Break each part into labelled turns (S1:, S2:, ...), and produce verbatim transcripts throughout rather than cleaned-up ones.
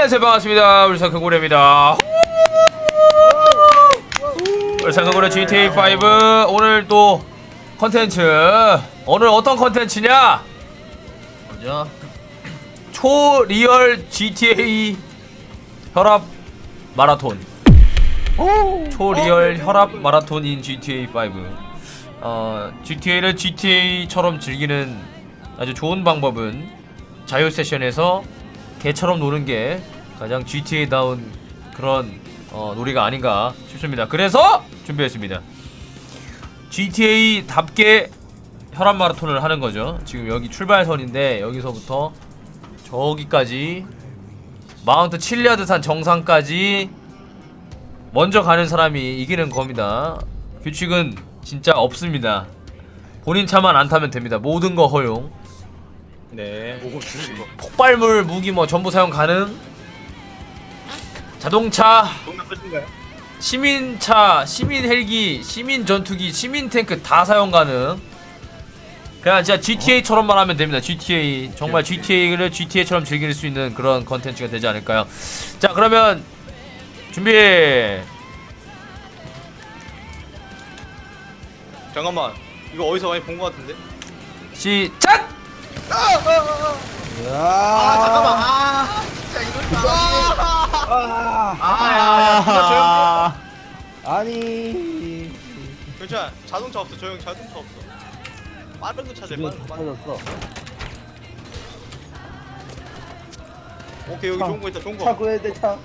S1: 안녕하세요, 반갑습니다. 울산큰고래입니다. 울산큰고래 지티에이 오 오늘 또 컨텐츠, 오늘 어떤 컨텐츠냐?
S2: 뭐죠?
S1: 초리얼 지티에이 혈압 마라톤. 초리얼 혈압 마라톤인 지티에이 오. 어, 지티에이를 지티에이처럼 즐기는 아주 좋은 방법은 자유 세션에서 개처럼 노는 게 가장 지티에이다운 그런 어, 놀이가 아닌가 싶습니다. 그래서 준비했습니다. 지티에이답게 혈압 마라톤을 하는 거죠. 지금 여기 출발선인데 여기서부터 저기까지 마운트 칠리아드산 정상까지 먼저 가는 사람이 이기는 겁니다. 규칙은 진짜 없습니다. 본인 차만 안 타면 됩니다. 모든 거 허용. 네. 폭발물 무기 뭐 전부 사용 가능. 자동차, 시민차, 시민 헬기, 시민 전투기, 시민 탱크 다 사용 가능. 그냥 진짜 지티에이처럼만 하면 됩니다. 지티에이 정말 지티에이를 지티에이처럼 즐길 수 있는 그런 컨텐츠가 되지 않을까요? 자, 그러면 준비.
S3: 잠깐만, 이거 어디서 많이 본 것 같은데?
S1: 시작!
S3: 아, 잠깐만. 아, 진짜 이럴 줄
S2: 아,
S3: 아,
S2: 아니.
S3: 괜찮아. 자동차 없어. 저 형 자동차 없어. 빠른 거 찾아. 빠른 거. 빠른 거.
S2: 터졌어.
S3: 오케이, 여기 좋은 거 있다. 좋은 거.
S2: 차 구해야 돼, 차.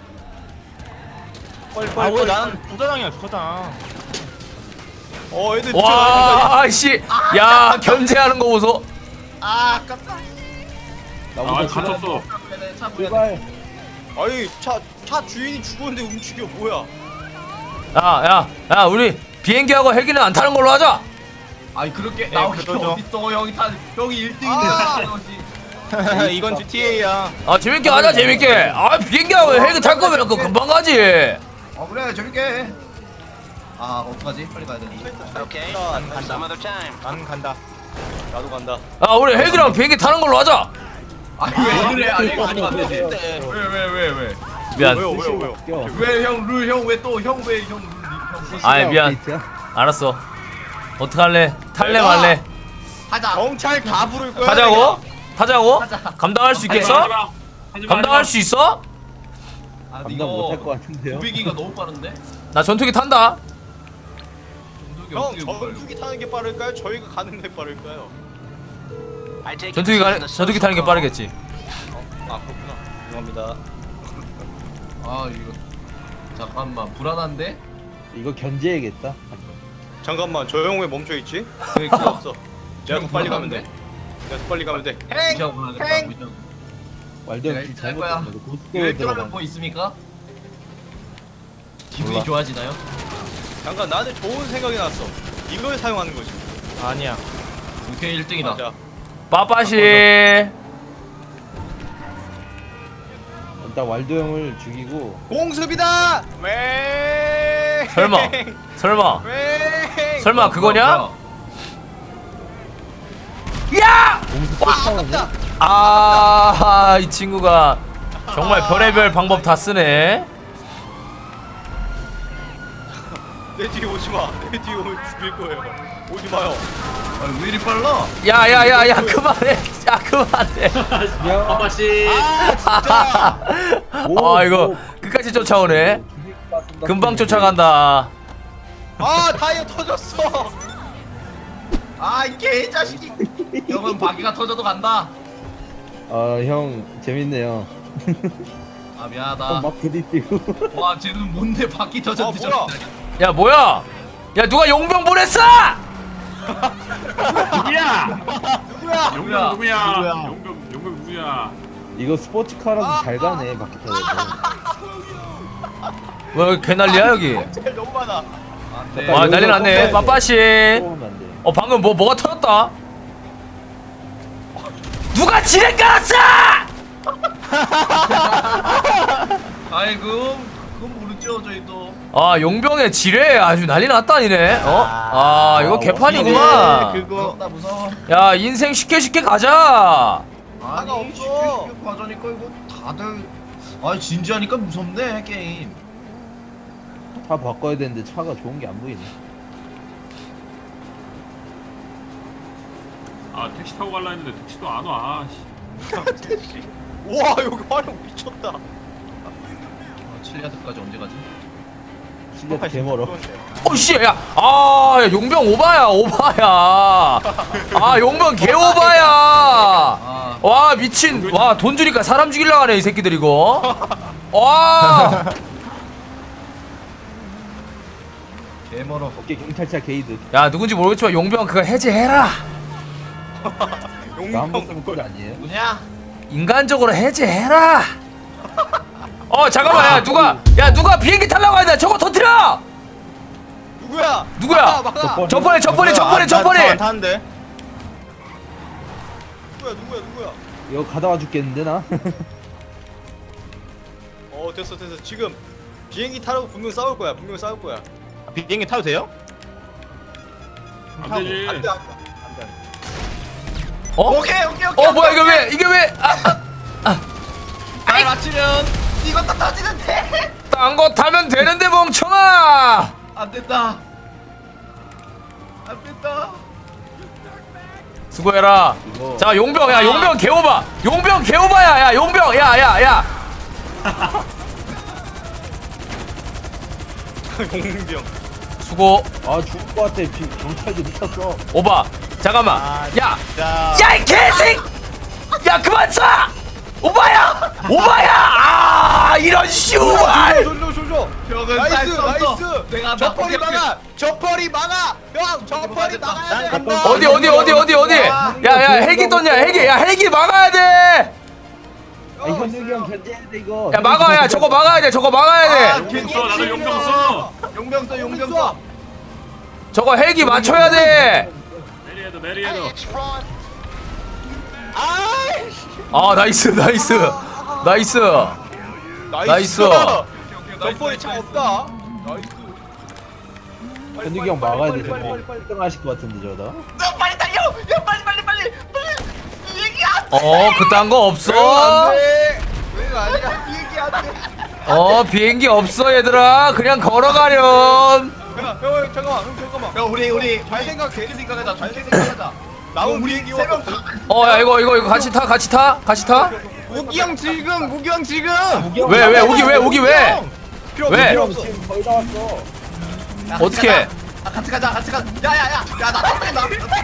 S3: 빨리
S4: 아
S3: 빨리
S4: 왜
S3: 빨리.
S4: 난 부사장이야 부사장.
S3: 어, 애들
S1: 와, 씨, 야, 견제하는 거 보소.
S3: 아, 아깝다.
S2: 나보다
S4: 갇혔어.
S2: 제발.
S3: 아니, 차, 차 주인이 죽었는데 움직여. 뭐야?
S1: 야, 야, 야, 우리 비행기하고 헬기는 안 타는 걸로 하자.
S5: 아니 그렇게
S4: 네,
S5: 나오기
S4: 그러죠.
S5: 어딨어 형이 타 형이 일
S3: 아!
S5: 등인데
S4: 이건 지티에이야.
S1: 아, 재밌게 하자, 재밌게. 아, 비행기하고 헬기 탈 거면 그 금방 가지.
S5: 아 그래 재밌게 해. 아 어떡하지 빨리 가야 되는데
S3: 오케이. 난 간다.
S4: 난 간다.
S3: 나도 간다.
S1: 아, 우리 헬기랑 비행기 타는 걸로 하자.
S5: 아니 왜 그래 아니 아니 안 되지
S3: 네.
S5: 왜왜왜왜왜형
S1: 미안.
S3: 왜요, 왜요, 왜요?
S2: 웃겨.
S5: 룰 형 왜 또 형 왜 형 룰 형
S1: 아이, 미안.
S2: 업데이트야?
S1: 알았어. 어떡할래? 탈래
S3: 내가-
S1: 말래?
S5: 하자
S3: 경찰 다 부를 거야.
S1: 타자고? 타자고?
S5: 하자.
S1: 감당할 수 있겠어? 감당할 수 있어?
S5: 아
S2: 감당 못할 것 같은데요?
S5: 도비기가 너무 빠른데
S1: 나 전투기 탄다.
S5: 전투기
S3: 형,
S5: 어떻게 빨리
S3: 전투기 타는 게 빠를까요? 저희가 가는 게 빠를까요?
S1: 전투기 가, 전투기 타는 게 빠르겠지.
S3: 아, 그렇구나. 죄송합니다.
S5: 아 이거 잠깐만 불안한데
S2: 이거 견제해야겠다.
S3: 잠깐만, 저 형 왜 멈춰 있지?
S5: 왜
S3: 필요
S5: 그거
S3: 없어. 내가 더 빨리 가면 돼. 내가 더 빨리 가면 돼.
S5: 무시하고 불안하겠다
S3: 행!
S5: 무시하고
S2: 왈도
S5: 내가
S2: 형길
S5: 일찍 할
S2: 잘못
S5: 거야.
S2: 봤는데 고속도로
S5: 일등하면
S2: 들어가.
S5: 뭐 있습니까? 기분이
S2: 몰라.
S5: 좋아지나요?
S3: 잠깐, 나한테 좋은 생각이 났어. 이걸 사용하는 거지.
S4: 아니야.
S5: 오케이 일 등이다
S3: 맞아.
S1: 빠빠시.
S2: 일단 왈도 형을 죽이고
S3: 공습이다! 왜?
S1: 설마. 설마.
S3: 왜?
S1: 설마 그거냐?
S5: 뭐야,
S1: 야!
S2: 공수 쫓아오네.
S1: 아, 이 친구가 정말 별의별 방법 다 쓰네.
S3: 내 뒤에 오지 마. 내 뒤에 오면 죽일 거예요. 오지 마요.
S5: 뭐야. 아, 왜 이리 빨라?
S1: 야, 야, 야, 야, 그만해. 야, 그만해.
S4: 아빠씨.
S2: 오,
S1: 아, 이거
S2: 오.
S1: 끝까지 쫓아오네.
S2: 죽일 것 같습니다.
S1: 금방 쫓아간다.
S3: 아, 타이어 터졌어.
S5: 아 이게 이 자식이 형은 바퀴가 터져도 간다
S2: 아형 재밌네요.
S5: 아
S2: 형
S5: 미안하다
S2: 막 부딪히고.
S5: 와 쟤는 뭔데 바퀴 터졌는데
S3: 아, 뭐야?
S5: 저기
S1: 야, 뭐야? 야, 누가 용병 보냈어?
S4: 누구야?
S3: 누구야?
S4: 용병 누구야?
S2: 누구야?
S4: 용병 용병 누구야?
S2: 이거 스포츠카라서 잘 가네 바퀴 터져서.
S1: 뭐, 여기 개난리야, 여기?
S3: 제일 너무 많아.
S5: 안돼
S1: 와, 난리 났네. 빠빠시.
S2: 쏘면 안 돼.
S1: 어, 방금 뭐, 뭐가 터졌다? 누가 지뢰 깔았어!
S5: 아이고 그건 모르죠 저희도
S1: 아, 용병의 지뢰 아주 난리 났다니네. 어? 아, 이거 개판이구만.
S4: 그거
S5: 나 무서워
S1: 야, 인생 쉽게 쉽게 가자.
S3: 차가
S5: 아니
S3: 없어.
S5: 쉽게 쉽게 과자니까 이거 다들 아 진지하니까 무섭네 게임.
S2: 차 바꿔야 되는데 차가 좋은 게 안 보이네.
S4: 아 택시 타고 갈라 했는데 택시도 안 와. 씨.
S3: 와 여기 활용 미쳤다.
S5: 아, 칠리아드까지 언제 가지?
S2: 진짜 개멀어.
S1: 어씨 야, 아 야, 용병 오바야 오바야. 아 용병 개 오바야.
S5: 아
S1: 와 미친. 와 돈 주니까 사람 죽이려고 하네 이 새끼들 이거. 와.
S5: 개멀어.
S2: 어깨 경찰차 게이드.
S1: 야 누군지 모르겠지만 용병 그거 해제해라.
S2: 나 한 번
S3: 용병
S2: 쓰면 꼴 아니에요?
S5: 누구냐?
S1: 인간적으로 해제해라. 어 잠깐만 야 누가 야 누가 비행기 타려고 하냐 저거 터뜨려.
S3: 누구야?
S1: 누구야?
S3: 막아, 막아.
S2: 저번-
S1: 저번에 저번에 저번에 저번에.
S4: 타는데.
S3: 누구야 누구야 누구야?
S2: 이거 가다와 죽겠는데 나?
S3: 어 됐어 됐어 지금 비행기 타라고 분명 싸울 거야 분명 싸울 거야.
S4: 비행기 타도 돼요? 안 되지.
S3: 안돼 안돼.
S1: 어?
S5: 오케이 오케이 오케이.
S1: 어 뭐야 이게 왜 이게 왜? 아,
S5: 발 맞추면 이것도 터지는데.
S1: 딴 거 타면 되는데 멍청아.
S5: 안 된다. 안 된다.
S1: 수고해라.
S2: 이거
S1: 자 용병 야 용병 개오바. 용병 개오바야 야 용병 야야 야.
S3: 용병.
S1: 수고
S2: 아 죽을 것 같아. 비, 경찰도 미쳤어.
S1: 오바. 잠깐만. 야.
S3: 자.
S1: 야 이 개새끼. 야 그만 쏴. 오바야. 오바야. 아 이런 슈발.
S3: 조조 조조.
S5: 벽은
S3: 나이스
S5: 쌀수 없어.
S3: 나이스.
S5: 내가
S3: 저펄이
S5: 나-
S3: 막아. 저펄이 막아. 형 저펄이 막아야 돼.
S2: 간다.
S1: 어디 어디 어디 어디 어디. 야야 헬기 떴냐 헬기. 야 헬기 막아야 돼.
S2: 아, 현욱이 형 견제해야 돼 이거.
S1: 야 막아 야 저거 막아야 돼 저거 막아야 돼.
S4: 용병 써 나도 용병 써.
S5: 용병 써 용병 써.
S1: 저거 헬기 맞춰야 돼.
S4: 내리해도 내리해도.
S1: 아 나이스 나이스 나이스. 나이스.
S3: 저펄이 차 없다. 나이스.
S2: 현욱이 형 막아야 돼
S3: 빨리,
S2: 저거.
S3: 빨리, 빨리, 빨리.
S2: 땡하실 것 같은데 저러다.
S5: 너 빨리 달려. 야 빨리 빨리 빨리 빨리. 얘기 안 돼.
S1: 어 그딴 거 없어.
S3: 왜 아니야?
S5: 얘기 안 돼.
S1: 어 비행기 없어 얘들아 그냥 걸어가렴.
S3: 형, 형 잠깐만 형 잠깐만.
S5: 야 우리 우리
S3: 잘 생각해.
S5: 좋게 생각하자. 좋게 생각하자.
S3: 나온 비행기
S5: 세명
S3: 왔어.
S1: 어 야 이거 이거 이거 같이 타 같이 타 같이 타.
S3: 우기 형 지금 우기 형 지금.
S1: 왜 왜 오기 왜 오기 왜?
S3: 필요 없어
S1: 왜?
S3: 필요
S2: 형
S3: 없어.
S2: 지금 거의 다 왔어.
S5: 야,
S1: 어떻게?
S5: 같이 가자. 아, 같이 가자. 같이 가자. 야야야. 야나 나.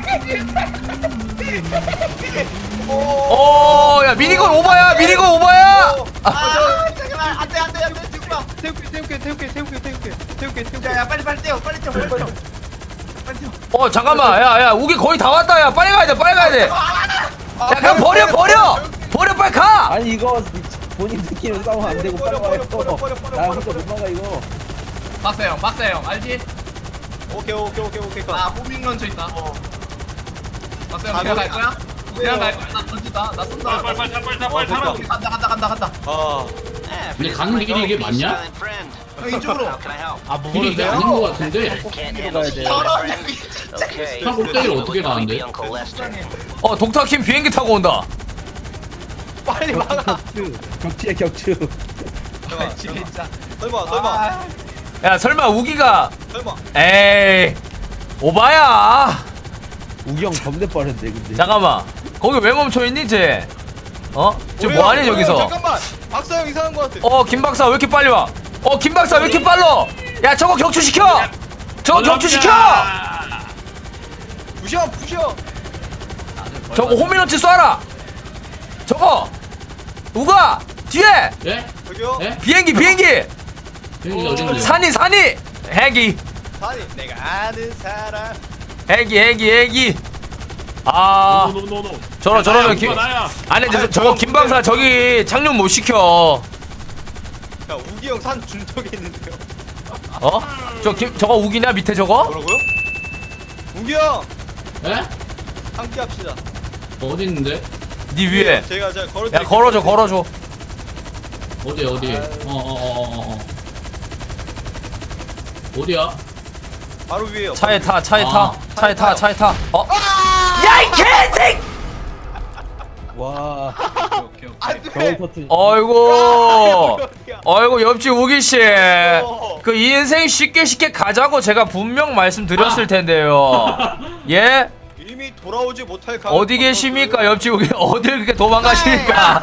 S1: 어야 미니건 오바야 미니건 오바야.
S5: 아 잠깐만. 안돼 안돼 안돼. 지금 봐.
S3: 태울게 태울게 태울게 태울게 태울게 태울게 태울게.
S5: 야야 빨리 빨리 뛰어. 빨리 뛰어. 빨리 뛰어. 빨리 뛰어.
S1: 어 잠깐만 야야 우기 거의 다 왔다 야 빨리 가야 돼 빨리 가야 돼. 야 그냥 버려 버려 버려 빨리 가.
S2: 아니 이거 본인들끼리 싸우면 안 되고 빨리
S3: 버려,
S2: 와요.
S3: 버려, 버려, 버려,
S2: 나
S3: 버려,
S2: 혼자
S3: 버려.
S2: 못 막아 이거.
S5: 박사 형, 박사 형 알지?
S3: 오케이 오케이 오케이 오케이.
S5: 나 호밍 런처 있다. 박사 형
S3: 아,
S5: 그냥
S3: 거기-
S5: 갈 거야? 그냥 갈 거야? 나 던진다. 나 쏜다.
S4: 빨리 빨리 빨리 빨리 빨리
S3: 어,
S4: 빨리 타라.
S3: 됐다.
S5: 간다 간다 간다 간다.
S3: 아
S6: 근데 가는 길이 이게 맞냐?
S5: 형 이쪽으로.
S3: 아,
S6: 길이 이게 아닌 것 같은데?
S2: 가야 돼.
S5: 저런
S6: 차 꼭대기를 어떻게 가는데?
S1: 어 독타킴 비행기 타고 온다.
S3: 빨리 막아.
S2: 격추. 격추야 격추.
S3: 잠깐만,
S5: 아, 진짜.
S3: 설마 설마
S5: 아,
S1: 야 설마 우기가
S3: 설마.
S1: 에이 오바야.
S2: 우기 형 겁내 빠른데 근데.
S1: 잠깐만 거기 왜 멈춰있니 쟤? 어? 쟤
S3: 뭐야,
S1: 뭐하니
S3: 뭐야,
S1: 저기서?
S3: 잠깐만. 박사 형 이상한 거 같아.
S1: 어 김박사 왜 이렇게 빨리 와? 어 김박사 왜 이렇게 빨라? 야 저거 격추시켜! 저거 격추시켜!
S3: 부셔 부셔.
S1: 저거 호미노치 쏴라! 저거! 우가! 뒤에!
S6: 예?
S3: 저기요.
S6: 예?
S1: 비행기 비행기!
S6: 비행기가 어딘데?
S1: 산이 산이! 헬기
S3: 아니 내가 아는 사람.
S1: 헬기 헬기 헬기 아
S4: 노노노노.
S1: 저러 저러면 김
S4: 나야.
S1: 아니 근데
S3: 아니,
S1: 저거
S3: 저-
S1: 김박사 저기 착륙 못 시켜
S3: 야 우기 형 산 중턱에 있는데요.
S1: 어? 저 김 저거 우기냐 밑에 저거?
S3: 뭐라고요? 우기 형
S6: 예?
S3: 함께 합시다.
S6: 어디 있는데?
S1: 니 위에
S3: 제가 제가 걸어.
S1: 야 걸어줘 걸어줘
S6: 어디 어디? 어어어어 어. 어디야?
S3: 바로 위에요.
S1: 차에 타 차에 타
S6: 아,
S1: 차에 타
S3: 타요.
S1: 차에 타 어? 야 이 개새끼!
S2: 와
S5: 오케이 오케이.
S3: 안돼.
S2: 겨울 커튼.
S1: 어이구
S3: 어디야?
S1: 어이구 옆집 우기씨
S3: 어.
S1: 그 인생 쉽게 쉽게 가자고 제가 분명 말씀드렸을 텐데요. 예?
S3: 이미 돌아오지 못할 가.
S1: 어디 계십니까 옆집 우기 어딜 그렇게 도망가십니까?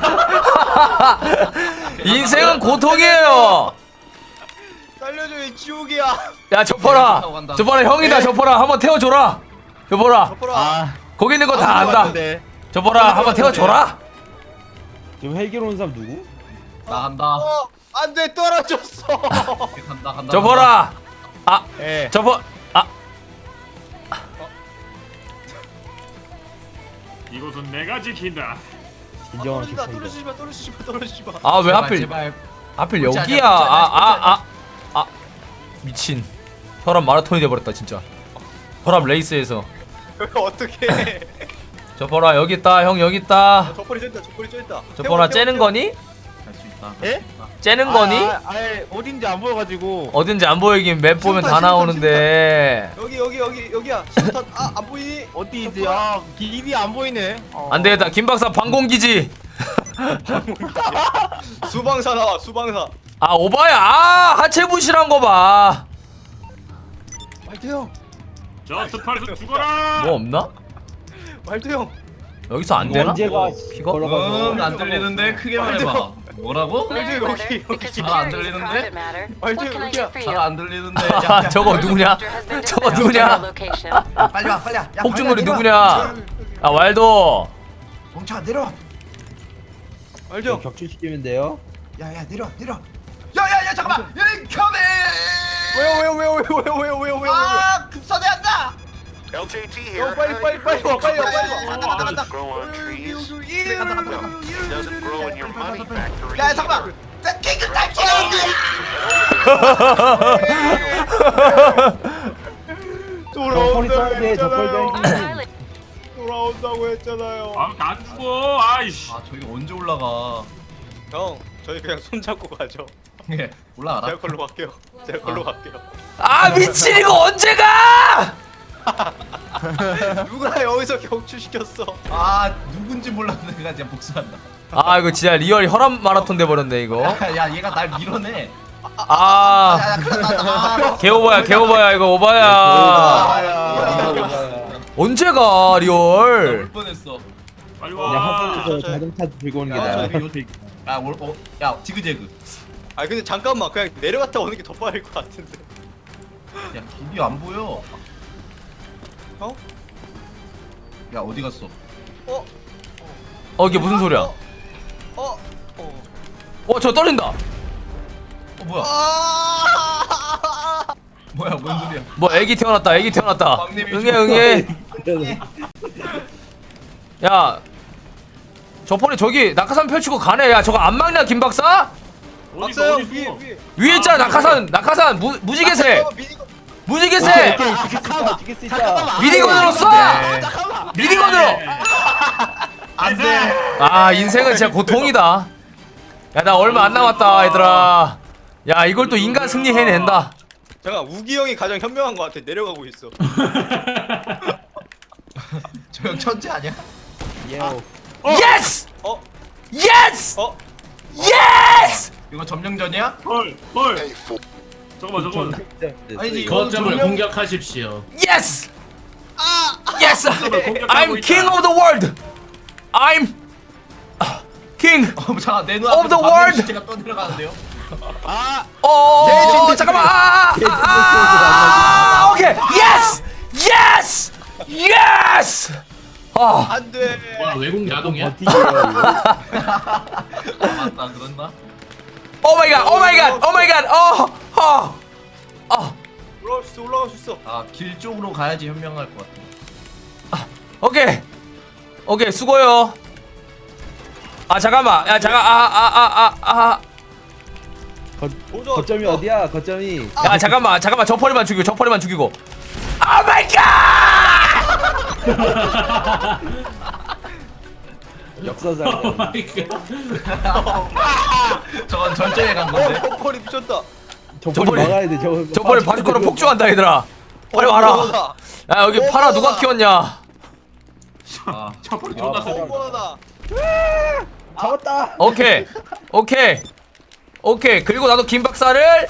S1: 인생은 고통이에요.
S3: 살려줘 이 지옥이야.
S1: 야 저퍼라 저퍼라 형이다 저퍼라 한번 태워줘라 저퍼라
S3: 덮어라.
S1: 거기 있는 거 다 안다 저퍼라 한번 태워줘라.
S2: 지금 헬기로 온 사람 누구?
S5: 나 간다.
S3: 어 안돼 떨어졌어.
S5: 간다 간다.
S1: 저퍼라 아
S2: 예.
S1: 저퍼 아
S4: 이곳은 내가 지킨다.
S2: 진정한
S3: 떨어진다.
S2: 슈퍼이다.
S3: 떨어지지 마. 떨어지지 마. 떨어지지 마.
S1: 아 왜
S5: 제발,
S1: 하필
S5: 제발.
S1: 하필
S5: 꼴찌
S1: 여기야
S5: 아니야, 꼴찌 아니야,
S1: 아 아 아 아 미친 혈압 마라톤이 돼버렸다 진짜 혈압 레이스에서
S3: 어떻게 해?
S1: 저퍼라 여기 있다 형 여기 있다
S3: 저poli이 쪄있다. 저poli이 쪄있다.
S1: 저퍼라 째는 거니?
S5: 할 수 있다.
S2: 예?
S1: 째는 거니?
S2: 아, 아예 어딘지 안 보여가지고.
S1: 어딘지 안 보이긴 맵 보면 다
S3: 신호탄,
S1: 나오는데
S3: 여기 여기 여기 여기야. 신호탄 아안 보이니?
S2: 어디지? 아 길이 안 보이네. 어.
S1: 안 되겠다 김 박사 방공기지
S3: 수방사 나와. 수방사.
S1: 아 오바야 아 하체 부실한 거봐
S3: 말도 형.
S4: 저 스팔스 죽어라.
S1: 뭐 없나?
S3: 말도 형.
S1: 여기서 안 되나?
S2: 언제가
S1: 피가?
S2: 걸어가서.
S5: 응, 안 들리는데 크게 말해봐. 뭐라고?
S3: 말도 여기 여기.
S5: 잘 안 들리는데?
S3: 말도 여기야.
S5: 잘 안 들리는데.
S1: 아 저거 누구냐? 저거 누구냐?
S5: 빨리 와 빨리 와. 야,
S1: 폭죽놀이
S5: 내려와.
S1: 누구냐? 아 왈도
S5: 멍청아 내려.
S3: 말도 형.
S2: 격추시키면 돼요.
S5: 야야 내려 내려. 야야야 잠깐만. 컴에.
S3: 왜요 왜요 왜요 왜요 왜요 왜요 왜요 왜요.
S5: 아 급사대한다.
S7: L J T
S3: 어,
S7: here.
S3: 빨리 빨리 빨리 와 빨리 와 빨리 와.
S7: Doesn't grow on trees. Doesn't grow in your money factory.
S5: 야 잠깐만. 나 킹크 탈지.
S2: 저펄이 써야 돼. 저펄 헬기.
S3: 돌아온다고 했잖아요.
S4: 아안 죽어. 아이씨.
S5: 아 저기 언제 올라가?
S3: 형 저희 그냥 손 잡고 가죠.
S5: 예 올라가라.
S3: 제가 걸로 갈게요. 제가 걸로
S5: 아.
S3: 갈게요.
S1: 아 미친 이거 언제 가?
S3: 누가 여기서 격추시켰어?
S5: 아 누군지 몰랐는데 내가 진짜 복수한다.
S1: 아 이거 진짜 리얼 혈압 마라톤 돼버렸네 이거
S5: 야 얘가 날 밀어내.
S1: 아
S5: 야야 큰일 났다. 아,
S1: 개오바야 개오바야 이거 오바야 언제 가 리얼
S5: 올 뻔했어.
S4: 빨리
S2: 그냥
S4: 와.
S2: 하선에서 자동차 들고 오는 게
S5: 야,
S2: 나아.
S5: 저기 야, 올, 어, 야, 지그재그.
S3: 아 근데 잠깐만 그냥 내려갔다 오는 게 더 빠를 것 같은데.
S5: 야, 길이 안 보여.
S3: 형?
S5: 야, 어디 갔어?
S3: 어?
S1: 어 이게 무슨 소리야
S3: 어? 어? 어?
S1: 어 저 떨린다
S5: 어, 뭐야?
S3: 아!
S5: 뭐야, 뭔 소리야?
S1: 뭐 애기 태어났다 애기 태어났다
S5: 막내미
S1: 응애 응애 야 저번에 저기 낙하산 펼치고 가네 야 저거 안 막냐 김 박사?
S4: 어디
S3: 박사 형
S4: 어디
S3: 위에
S4: 있어?
S3: 위에.
S1: 위에 있잖아 낙하산 낙하산 무, 무지개새
S3: 아, 미니건.
S1: 무지개새
S2: 잠깐만. 찍을 수 있다.
S1: 미니건으로 쏴 미니건으로
S5: 안 돼.
S1: 아 인생은 진짜 고통이다 야 나 얼마 안 남았다 얘들아 야 이걸 또 인간 승리 해낸다
S3: 잠깐 우기 형이 가장 현명한 것 같아. 내려가고 있어.
S5: 저 형 천재 아니야?
S2: 예오.
S1: 예스!
S3: 어?
S1: 예스!
S3: 어?
S1: 예스!
S5: 이거 점령전이야?
S4: 헐 헐. 잠깐만 잠깐만.
S5: 아니지, 이거
S6: 거점을
S5: 점령-
S6: 공격하십시오.
S1: 예스! 예스!
S4: 공격하고
S1: I'm
S4: 있다.
S1: king of the world! I'm king
S5: 어, 잠깐 내
S1: Of
S5: 눈앞에
S1: the world!
S5: 시체가 떠내려가는데요?
S1: 어 잠깐만 아, 아, 아, 아, 오케이 예스! 예스! 예스! 아
S3: 안 돼.
S6: 와 외국 야동이야?
S2: 버티기예요 이거.
S5: 아, 맞다, 그런다.
S1: 오 마이 갓! 오 마이 갓! 오 마이 갓! 어! 어! 어!
S3: 올라갈 수 있어. 올라갈 수 있어.
S5: 아, 길 쪽으로 가야지 현명할 것 같아.
S1: 오케이 오케이 수고요 아 잠깐만 야 잠깐 아아아아아 아,
S3: 도전.
S2: 거점이 어디야? 거점이.
S1: 야 잠깐만 잠깐만 저 펄이만 죽이고 저 펄이만 죽이고 오 마이 갓!
S2: 역사상.
S6: 오 마이 갓.
S5: 저건 절정에 간
S3: 어,
S5: 건데.
S3: 저펄이 미쳤다.
S2: 저펄이
S1: 저펄이-
S2: 막아야 돼. 저
S1: 저 펄이 바주코로 폭주한다 얘들아 빨리 와라
S3: 오버다.
S1: 야 여기 파라 누가 키웠냐
S5: 아,
S4: 저번에
S2: 아,
S4: 존나 세.
S3: 오버다.
S2: 잡았다.
S1: 오케이 오케이 오케이. 그리고 나도 김박사를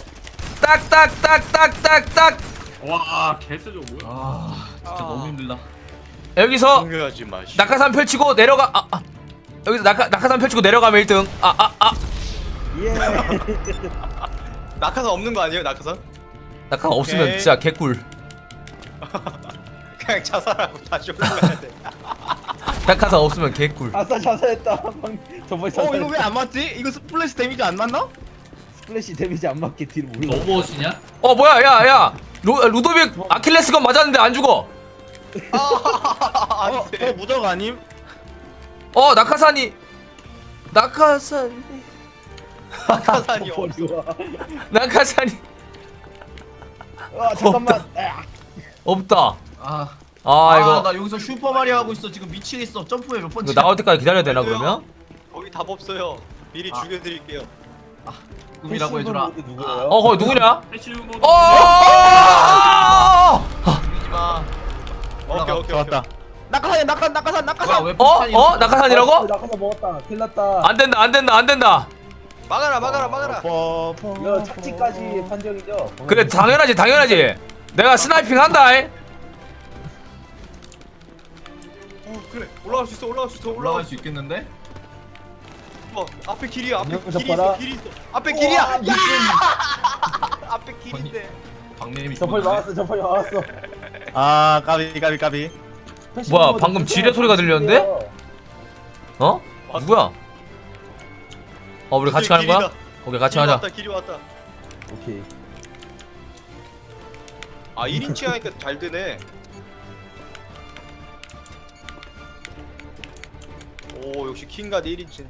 S1: 딱딱딱딱딱딱
S4: 와 개쎄죠 뭐야?
S5: 아 진짜 너무 힘들다.
S1: 여기서
S3: 공유하지 마시.
S1: 낙하산 펼치고 내려가. 아, 아. 여기서 낙하, 낙하산 펼치고 내려가면 일 등. 아 아 아.
S2: 예.
S3: 낙하산 없는 거 아니에요? 낙하산?
S1: 낙하산 없으면
S3: 오케이.
S1: 진짜 개꿀.
S3: 그냥 자살하고 다시 올라가야 돼.
S1: 낙하산 없으면 개꿀.
S2: 아싸 자살했다. 방- 저번에 자살했다.
S3: 안 맞지? 이거 스플래시 데미지 안 맞나?
S2: 스플래시 데미지 안 맞게 뒤로 물러.
S6: 로봇이냐?
S1: 어 뭐야 야야 루, 루도빅 아킬레스건 맞았는데 안 죽어.
S3: 아, 안
S8: 어,
S3: 돼.
S8: 어 무적 아님?
S1: 어 낙하산이 낙하산
S3: 낙하산이 없어.
S2: 버리와.
S1: 낙하산이
S2: 아 잠깐만. 아,
S1: 없다.
S5: 아,
S1: 아
S5: 아,
S1: 이거
S5: 나 여기서 슈퍼마리오 하고 있어. 지금 미치겠어. 점프에 몇 번.
S1: 이거 나올 때까지 기다려야 되나 그러면?
S3: 거기 답 없어요. 미리
S5: 아.
S3: 죽여드릴게요.
S5: 꿈이라고 해주라.
S2: 패시브 모드 누구예요?
S1: 어 거기 누구냐?
S4: 패시브 모드.
S1: 어!
S5: 죽이지 마.
S3: 오케이 오케이
S8: 잡았다. 낙하산 낙하산 낙하산
S5: 뭐야
S8: 낙하산.
S5: 왜
S1: 어?
S5: 폭탄이
S1: 어?
S5: 없어?
S1: 낙하산이라고?
S2: 낙하산 먹었다. 큰일 났다.
S1: 안 된다 안 된다 안 된다.
S3: 막아라 막아라 막아라.
S8: 어, 퍼, 퍼,
S2: 이거 착지까지 판정이죠?
S1: 그래 당연하지 당연하지. 내가 스나이핑 한다.
S3: 어 그래 올라갈 수 있어 올라갈 수 있어
S5: 올라갈
S3: 올라갈
S5: 수 있겠는데?
S3: 어 앞에 길이야 앞에
S2: 안녕,
S3: 길이
S2: 잡아라.
S3: 있어 길이 있어 앞에 길이야.
S2: 우와,
S3: 야! 앞에 길인데.
S5: 박내미
S2: 저펄
S5: 죽었네.
S2: 막았어. 저펄 막았어.
S8: 아 까비 까비 까비.
S2: 패시브
S1: 뭐야,
S2: 모드
S1: 방금
S2: 누구야?
S1: 지뢰 소리가 들렸는데? 어? 누구야? 어 우리 같이 가는 거야?
S3: 길이다.
S1: 오케이 같이
S3: 길이
S1: 가자.
S3: 왔다 길이 왔다.
S2: 오케이.
S3: 아 일 인치 하니까 잘 되네. 오 역시 킹가드 일 인치.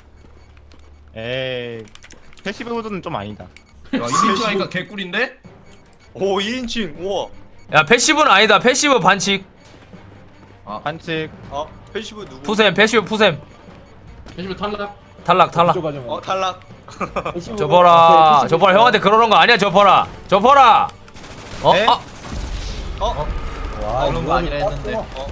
S8: 에이 패시브 모드는 좀 아니다.
S5: 야, 일 인치 하니까 개꿀인데?
S3: 오 일 인치 우와.
S1: 야 패시브는 아니다. 패시브 반칙.
S8: 반칙.
S3: 아 패시브 누구?
S1: 푸셈 패시브 푸셈.
S6: 패시브 탈락.
S1: 탈락 탈락.
S2: 이쪽 가져가.
S3: 어 탈락.
S2: 패시브
S1: 저퍼라
S2: 모드.
S1: 저퍼라 형한테 그러는 거 아니야 저퍼라 저퍼라. 어?
S8: 네?
S1: 아
S3: 어?
S2: 와,
S5: 그런 거 아니라
S2: 이거
S5: 했는데.
S2: 땄어.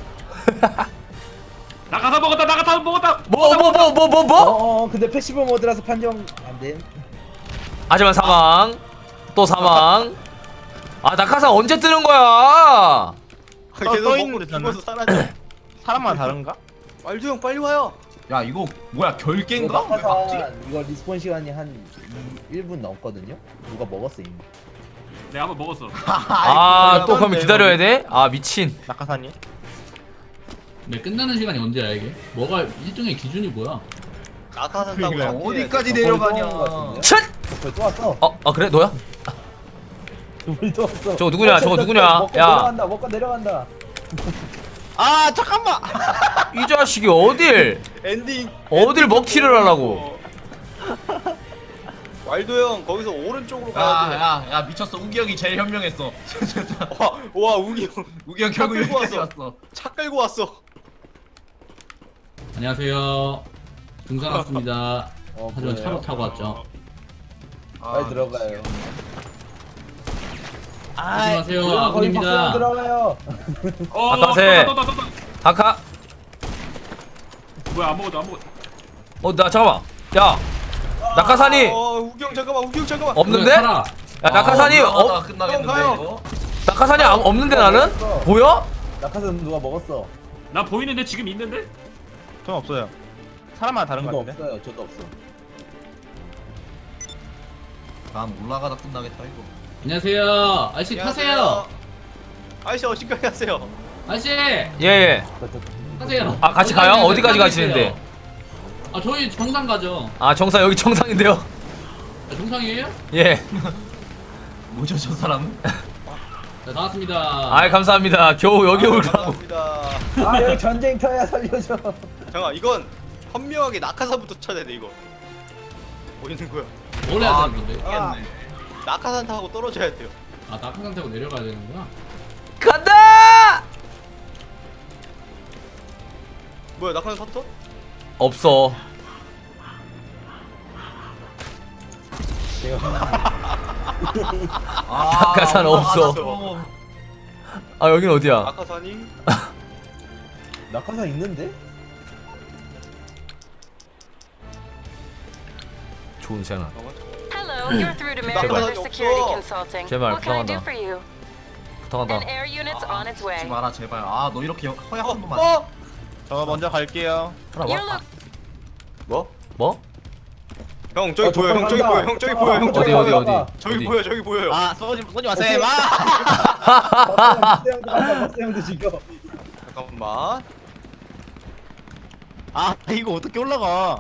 S4: 낙하산 먹었다 낙하산 먹었다.
S1: 뭐 뭐 뭐 뭐 뭐
S2: 어,
S1: 뭐?
S2: 어, 어, 근데 패시브 모드라서 판정 안 돼.
S1: 하지만 사망. 또 사망. 아 낙하산 언제 뜨는 거야?
S8: 떠
S3: 계속
S8: 있는데
S3: 먹고
S8: 저는?
S3: 죽어서 사라져.
S8: 사람마다 다른가?
S3: 말도 형 빨리 와요.
S5: 야, 이거 뭐야? 결계인가?
S2: 이거
S5: 왜 막지?
S2: 낙하산 이거 리스폰 시간이 한 일 분 넘거든요. 누가 먹었어 이미.
S4: 내가 한번 먹었어.
S1: 아 또 그러면
S8: 어떤데,
S1: 기다려야 돼? 아 미친.
S8: 낙하산이?
S6: 네, 끝나는 시간이 언제야 이게? 뭐가 일종의 기준이 뭐야?
S3: 낙하산 타고
S8: 그러니까
S3: 잡기는
S5: 어디까지
S2: 저펄
S5: 내려가냐?
S2: 또 온거 같은데?
S1: 첫.
S2: 저펄 또 왔어.
S1: 어, 아 그래 너야?
S2: 저펄 또 왔어.
S1: 저거 누구냐,
S2: 어,
S1: 저거
S2: 저거
S1: 누구냐?
S2: 먹고
S1: 야.
S2: 내려간다. 먹고 내려간다.
S8: 아 잠깐만.
S1: 이 자식이 어딜
S3: 엔딩.
S1: 어딜 먹튀를 하려고?
S3: 왈도 형 거기서 오른쪽으로
S5: 야,
S3: 가야 돼.
S5: 야, 야, 미쳤어. 우기 형이 제일 현명했어.
S3: 와, 와 우기 형.
S5: 우기 형 결국
S3: 끌고
S5: 여기까지
S3: 왔어.
S5: 왔어.
S3: 차 끌고 왔어.
S6: 안녕하세요. 등산 왔습니다.
S2: 어,
S6: 하지만
S2: 그래요?
S6: 차로 타고 왔죠.
S2: 빨리 들어가요.
S6: 안녕하세요.
S2: 거기 박수
S6: 아군입니다.
S2: 들어가요.
S4: 어,
S1: 낙하산.
S4: 떴다, 떴다, 떴다.
S1: 다카.
S4: 뭐야 안 먹었다 안 먹었다.
S1: 어 나 잠깐만. 야 낙하산이
S3: 어, 우기 형 잠깐만. 우기 형 잠깐만.
S1: 없는데?
S6: 타라.
S1: 야 낙하산이
S5: 아,
S1: 어
S5: 끝나겠는데
S3: 형 가요.
S5: 이거?
S1: 낙하산이 아, 없는데 나는? 보여?
S2: 낙하산 누가 먹었어?
S4: 나 보이는데 지금 있는데?
S8: 전 없어요. 사람마다 다른 거
S2: 저도
S8: 같은데.
S2: 없어요. 저도 없어.
S5: 난 올라가다 끝나겠다 이거.
S6: 안녕하세요. 아저씨 타세요.
S3: 아저씨 어디까지 가세요?
S6: 아저씨
S1: 예예.
S6: 타세요.
S1: 아, 같이 가요?
S6: 어디까지
S1: 어디까지
S6: 가세요?
S1: 가시는데?
S6: 아 저희 정상 가죠.
S1: 아 정상 여기 정상인데요.
S6: 아, 정상이에요?
S1: 예.
S5: 뭐죠 저 사람은?
S6: 네, 나왔습니다.
S1: 아 감사합니다. 겨우 여기 올 거라고.
S3: 감사합니다.
S2: 아 여기 전쟁터야 살려줘.
S3: 잠깐 이건 현명하게 낙하산부터 찾아야 돼 이거. 뭐 있는 거야?
S6: 뭘 해야
S5: 아,
S6: 되는 건데?
S5: 미치겠네.
S3: 낙하산 타고 떨어져야 돼요.
S6: 아 낙하산 타고 내려가야 되는구나.
S1: 간다.
S3: 뭐야 낙하산 탔어?
S1: 없어.
S5: 아,
S1: 낙하산 없어.
S5: 올라갔어.
S1: 아 여긴 어디야?
S3: 낙하산이?
S2: 낙하산 있는데?
S1: 좋은 시간.
S9: Hello, you're through to
S1: 제발.
S9: Meriwether Security Consulting.
S1: 제발,
S9: What can I do
S1: 부탁한다.
S9: for you?
S1: 부탁한다.
S9: An air unit's on its way.
S5: 하지 마라 제발. 아 너 이렇게 허약한 놈만.
S3: 어?
S8: 저 먼저 갈게요.
S1: 하나
S9: You're
S1: 봐.
S9: look.
S3: 뭐?
S1: 뭐?
S3: 형 저기
S2: 어,
S3: 보여 형 저기
S2: 간다.
S3: 보여 형 저기 보여 형 저기
S1: 어디
S3: 보여
S1: 어디 어디?
S3: 저기
S1: 어디?
S3: 보여 저기 보여요.
S8: 아 쏘지 쏘지 마세요. 마.
S2: 박사 형도 간다. 박사 형도 지금.
S3: 잠깐만.
S8: 아 이거 어떻게 올라가?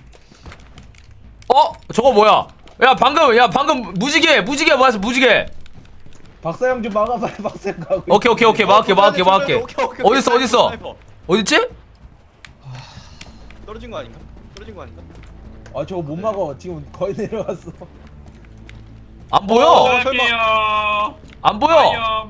S1: 어? 저거 뭐야? 야 방금 야 방금 무지개 무지개 뭐였어 무지개.
S2: 박사 형 좀 막아봐요. 박사 형 가고.
S1: 오케이 오케이 오케이 막을게 막을게 막을게.
S3: 오케이, 오케이, 오케이.
S1: 어딨어 어딨어?
S3: 스나이퍼.
S1: 어딨지?
S3: 떨어진 거 아닌가? 떨어진 거 아닌가?
S2: 아 저거 못 막어. 지금 거의 내려왔어.
S1: 안 보여.
S3: 어,
S4: 갈게요.
S1: 안 보여.
S4: 파이엄.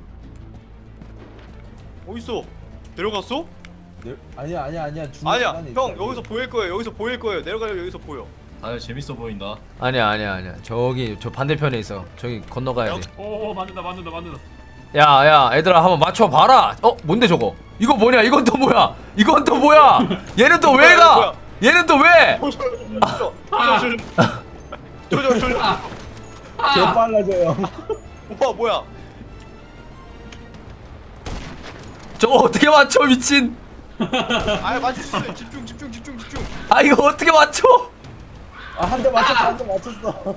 S3: 어딨어? 내려갔어?
S2: 네? 아니야 아니야 아니야. 중간
S3: 아니야
S2: 시간에
S3: 형
S2: 있어.
S3: 여기서 보일 거예요 여기서 보일 거예요 내려가려 여기서 보여.
S5: 아 재밌어 보인다.
S1: 아니야 아니야 아니야. 저기 저 반대편에 있어. 저기 건너가야 돼.
S4: 오 맞는다 맞는다 맞는다.
S1: 야야 얘들아 한번 맞춰봐라. 어 뭔데 저거? 이거 뭐냐? 이건 또 뭐야? 이건 또 뭐야? 얘는 또 왜 가? 얘는 또 왜?
S3: 조져 조져
S2: 개 빨라져요.
S3: 오빠 뭐야?
S1: 저거 어떻게 맞춰 미친?
S3: 아 맞출 수 있어 집중 집중 집중 집중.
S1: 아 이거 어떻게 맞춰?
S2: 아 한 대 맞췄어. 한 대 맞췄어.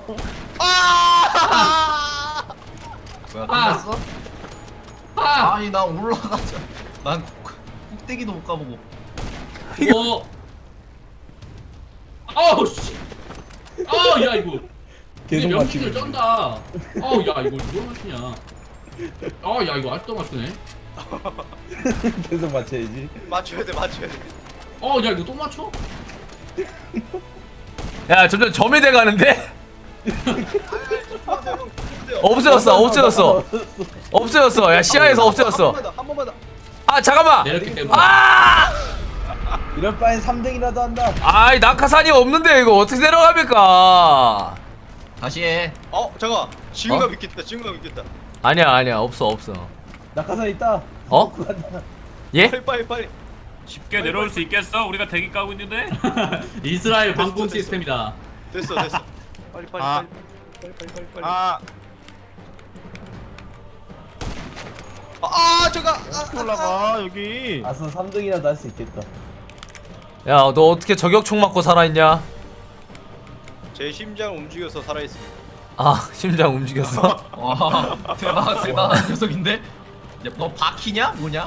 S3: 아!
S5: 뭐야
S6: 아.
S5: 끝났어?
S6: 아!
S5: 아니 나 올라가자. 난 꼭대기도 못 가보고.
S6: 어. 아우 씨. 아우 야 이거.
S2: 계속
S6: 명칭
S2: 맞히고.
S6: 을 쩐다. 아우 야 이거 뭘 맞추냐. 아 야 이거 아직도 맞추네.
S2: 계속 맞춰야지.
S3: 맞춰야 돼 맞춰야 돼.
S6: 어 야 이거 또 맞춰?
S1: 야 점점 점이 돼가는데?
S3: 형,
S1: 없어졌어 없어졌어 없어졌어. 야 시야에서 없어졌어.
S3: 한 번만 더, 한 번만 더.
S1: 아 잠깐만.
S6: 내렸기 때문에.
S1: 아!
S2: 이럴 바엔 삼 등이라도 한다.
S1: 아이 낙하산이 없는데 이거 어떻게 내려갑니까?
S5: 다시 해.
S3: 어 잠깐. 지금가
S1: 어?
S3: 믿겠다. 지금가 믿겠다.
S1: 아니야 아니야 없어 없어.
S2: 낙하산 있다.
S1: 어?
S2: 먹고 간다.
S1: 예?
S3: 빨리 빨리 빨리.
S4: 쉽게 내려올 수 있겠어? 우리가 대기 까고 있는데.
S6: 이스라엘 방공
S3: 됐어, 됐어.
S6: 시스템이다.
S3: 됐어 됐어. 빨리 빨리
S8: 아.
S3: 빨리 빨리 빨리 빨리.
S8: 아
S3: 아 잠깐.
S8: 어떻게 올라가 여기?
S2: 아서 삼 등이라도 할 수 있겠다.
S1: 야 너 어떻게 저격총 맞고 살아있냐?
S3: 제 심장 움직여서 살아있습니다.
S1: 아 심장 움직였어?
S5: 와 대박 대단한 녀석인데. 야, 너 바퀴냐 뭐냐?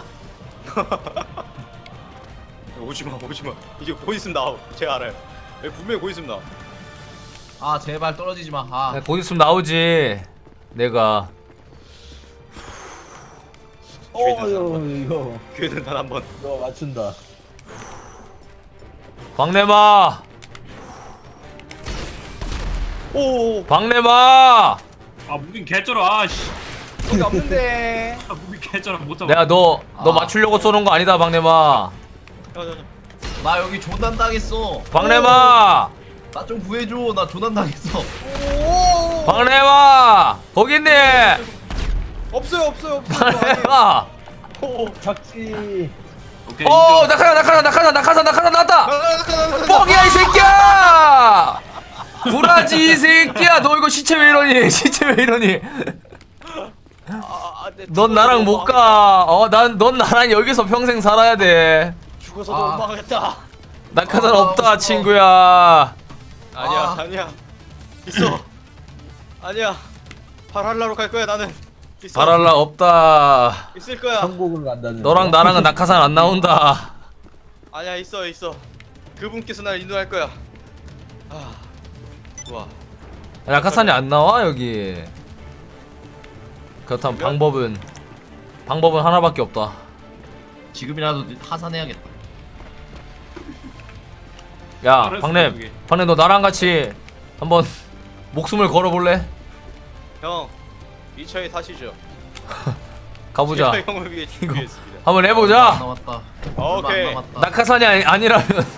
S3: 오지마 오지마. 이제 곧 있으면 나오. 제가 알아요. 여기 분명히 곧 있으면 나오.
S5: 아 제발 떨어지지 마. 아
S1: 야, 곧 있으면 나오지 내가.
S2: 어 이거 이거
S3: 기회는 단 한 번.
S2: 이거 맞춘다.
S1: 박내마
S3: 오.
S1: 박내마
S4: 아 무빙 개쩔어. 아씨.
S3: 여기 없는데.
S4: 아 무빙 개쩔어 못 잡아.
S1: 내가 너 너
S5: 아.
S1: 맞추려고 쏘는 거 아니다 박내마.
S3: 자자자.
S5: 나 여기 조난 당했어.
S1: 박내마
S5: 나 좀 구해줘. 나 조난 당했어.
S3: 오.
S1: 박내마 거기 있니?
S3: 없어요 없어요 없어요.
S1: 박내마
S3: 오.
S2: 작지.
S4: 오케이.
S1: 어
S4: 인정.
S1: 낙하산 낙하산 낙하산 낙하산 낙하산 나왔다.
S3: 뻥.
S1: 뻥이야 이 새끼야! 구라지 이 새끼야. 너 이거 시체 왜 이러니? 시체 왜 이러니?
S3: 아, 네,
S1: 넌 나랑 못 가. 어, 난 넌 나랑 여기서 평생 살아야 돼.
S3: 죽어서도
S5: 아.
S3: 못 막겠다.
S1: 낙하산
S5: 아,
S1: 없다
S5: 무서워.
S1: 친구야.
S3: 아니야
S5: 아.
S3: 아니야. 있어. 아니야. 발할라로 갈 거야 나는. 있어.
S1: 바랄라 없다.
S3: 있을 거야.
S2: 천국을 간다는.
S1: 너랑 나랑은 낙하산 안 나온다.
S3: 아니야 있어 있어. 그분께서 날 인도할 거야. 아. 좋아.
S1: 낙하산이 안 나와 여기. 그렇다면 방법은 방법은 하나밖에 없다.
S5: 지금이라도 하산해야겠다.
S1: 야,
S4: 잘했어,
S1: 박냄,
S4: 그게.
S1: 박냄 너 나랑 같이 한번 목숨을 걸어볼래?
S3: 형. 이 차에 타시죠.
S1: 가보자.
S3: 제가 형을 위해 준비했습니다.
S1: 한번
S5: 얼마 안
S1: 해보자.
S5: 남았다.
S3: 오케이.
S5: 얼마 안 남았다.
S1: 낙하산이 아니, 아니라면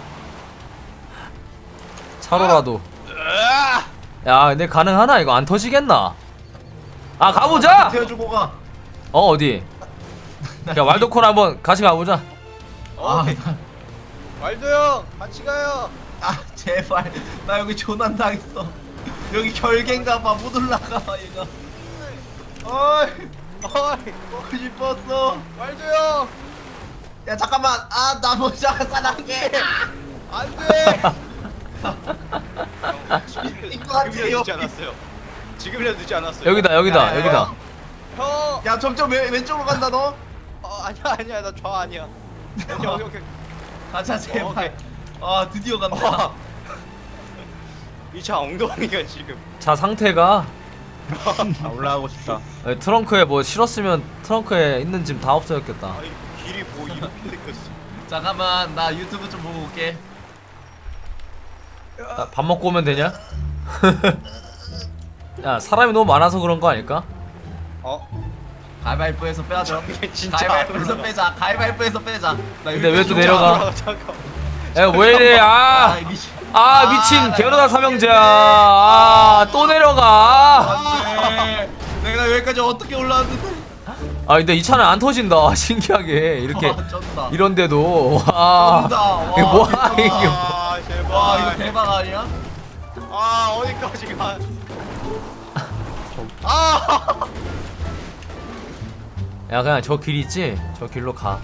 S1: 차로라도. 야, 근데 가능하나 이거 안 터지겠나? 아 가보자.
S5: 태워주고 가.
S1: 어 어디? 야 왈도콘 한번 같이 가보자.
S3: 오케이. 말도 형 같이 가요.
S5: 아 제발 나 여기 조난 당했어. 여기 결계인가봐 못 올라가 얘가. 어이 어이 먹고 싶었어.
S3: 말줘요.
S5: 야 잠깐만 아나 먼저 사랑해.
S3: 안돼.
S5: 이거 같아요.
S3: 지금이라 늦지 않았어요. 지금이라 늦지 않았어요.
S1: 여기다 여기다
S5: 야, 야,
S1: 여기다.
S5: 야.
S3: 형.
S5: 야 점점 왼, 왼쪽으로 간다 너.
S3: 어, 아니야 아니야 나 좌 아니야. 오케이 오케이 오케이.
S5: 가자
S3: 어,
S5: 제발.
S3: 오케이.
S5: 아 드디어 간다.
S3: 이 차 엉덩이가 지금.
S1: 차 상태가
S8: 아, 올라가고 싶다.
S1: 아니, 트렁크에 뭐 실었으면 트렁크에 있는 짐 다 없어졌겠다.
S3: 아니 길이 뭐 이렇게 생겼어.
S5: 잠깐만 나 유튜브 좀 보고 올게.
S1: 아, 밥 먹고 오면 되냐? 야 사람이 너무 많아서 그런 거 아닐까?
S3: 어?
S5: 가위바위보에서 빼자.
S3: 이게 진짜
S5: 가위바위보에서
S3: 안
S5: 빼자. 가위바위보에서 빼자. 나
S1: 근데 왜 또
S5: 유튜브
S1: 내려가?
S3: 잠깐.
S1: 야 왜 이래? 아,
S5: 아, 미친.
S1: 아 미친 게르다 삼형제야. 아또 내려가.
S5: 안돼. 내가 여기까지 어떻게 올라왔는데?
S1: 아 근데 이 차는 안 터진다. 신기하게 이렇게
S5: 와, 쩐다.
S1: 이런데도 와
S5: 쩐다. 와,
S1: 이게 뭐야 이게?
S3: 아 제발.
S5: 와 이거 대박 아니야?
S3: 아 어디까지 가? 아.
S1: 야 그냥 저 길 있지? 저 길로 가.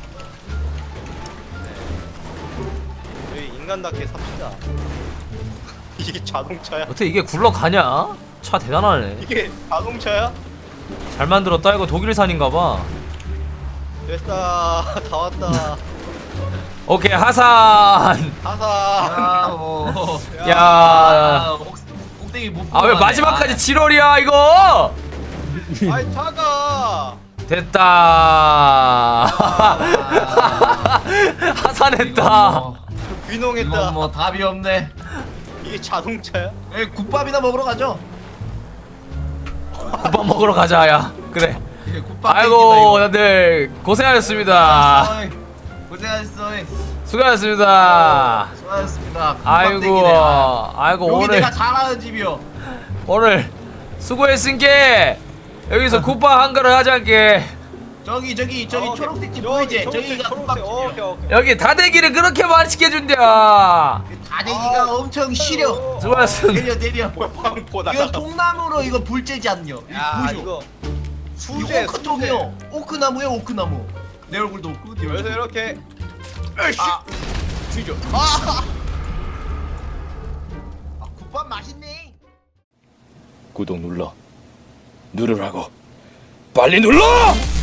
S3: 저희 인간답게 삽시다. 이게 자동차야?
S1: 어떻게 이게 굴러가냐? 차 대단하네.
S3: 이게 자동차야?
S1: 잘 만들었다. 이거 독일산인가봐.
S3: 됐다. 다 왔다.
S1: 오케이 하산.
S3: 하사.
S5: 야, 뭐.
S1: 야.
S5: 아, 옥- 옥땡이 못.
S1: 아 왜
S5: 보고
S1: 마지막까지
S5: 가네.
S1: 칠월이야 이거?
S3: 아이 차가.
S1: 됐다.
S5: 아.
S1: 하산했다.
S5: 이건 뭐,
S3: 귀농했다.
S5: 이건 뭐 답이 없네.
S3: 이게 자동차야?
S5: 에 국밥이나 먹으러 가죠.
S1: 국밥 먹으러 가자 야. 그래.
S5: 예, 국밥
S1: 아이고 다들 고생하셨습니다.
S5: 땡기다, 이거. 고생하셨어.
S1: 수고하셨습니다.
S5: 수고하셨습니다.
S1: 아이고
S5: 국밥땡기네.
S1: 아이고
S5: 여기
S1: 오늘
S5: 내가 잘하는 집이요.
S1: 오늘 수고했으니까 여기서 국밥 한 그릇 하자께.
S5: 저기 저기 저기
S3: 어,
S5: 초록색 집
S3: 저기,
S5: 보이지?
S3: 초록색,
S5: 저기가
S3: 초록색. 어, 오케이
S5: 국밥집이야.
S3: 오케이.
S1: 여기 다대기를 그렇게 많이 시켜준다.
S5: 다대기가
S3: 아.
S5: 엄청 시려.
S1: 수고하셨습니다.
S5: 내려 내려.
S3: 뭐야 방포
S5: 이거
S3: 나가.
S5: 통나무로 이거 불 쬐지 않냐?
S3: 야
S5: 이거
S3: 이거
S5: 이거
S3: 수제
S5: 오크통이요. 오크나무요 오크나무. 내 얼굴도 오크. 네
S3: 그래서
S5: 얼굴도
S3: 이렇게
S5: 아.
S3: 뒤져.
S5: 아, 국밥 맛있네.
S10: 구독 눌러 누르라고 빨리 눌러!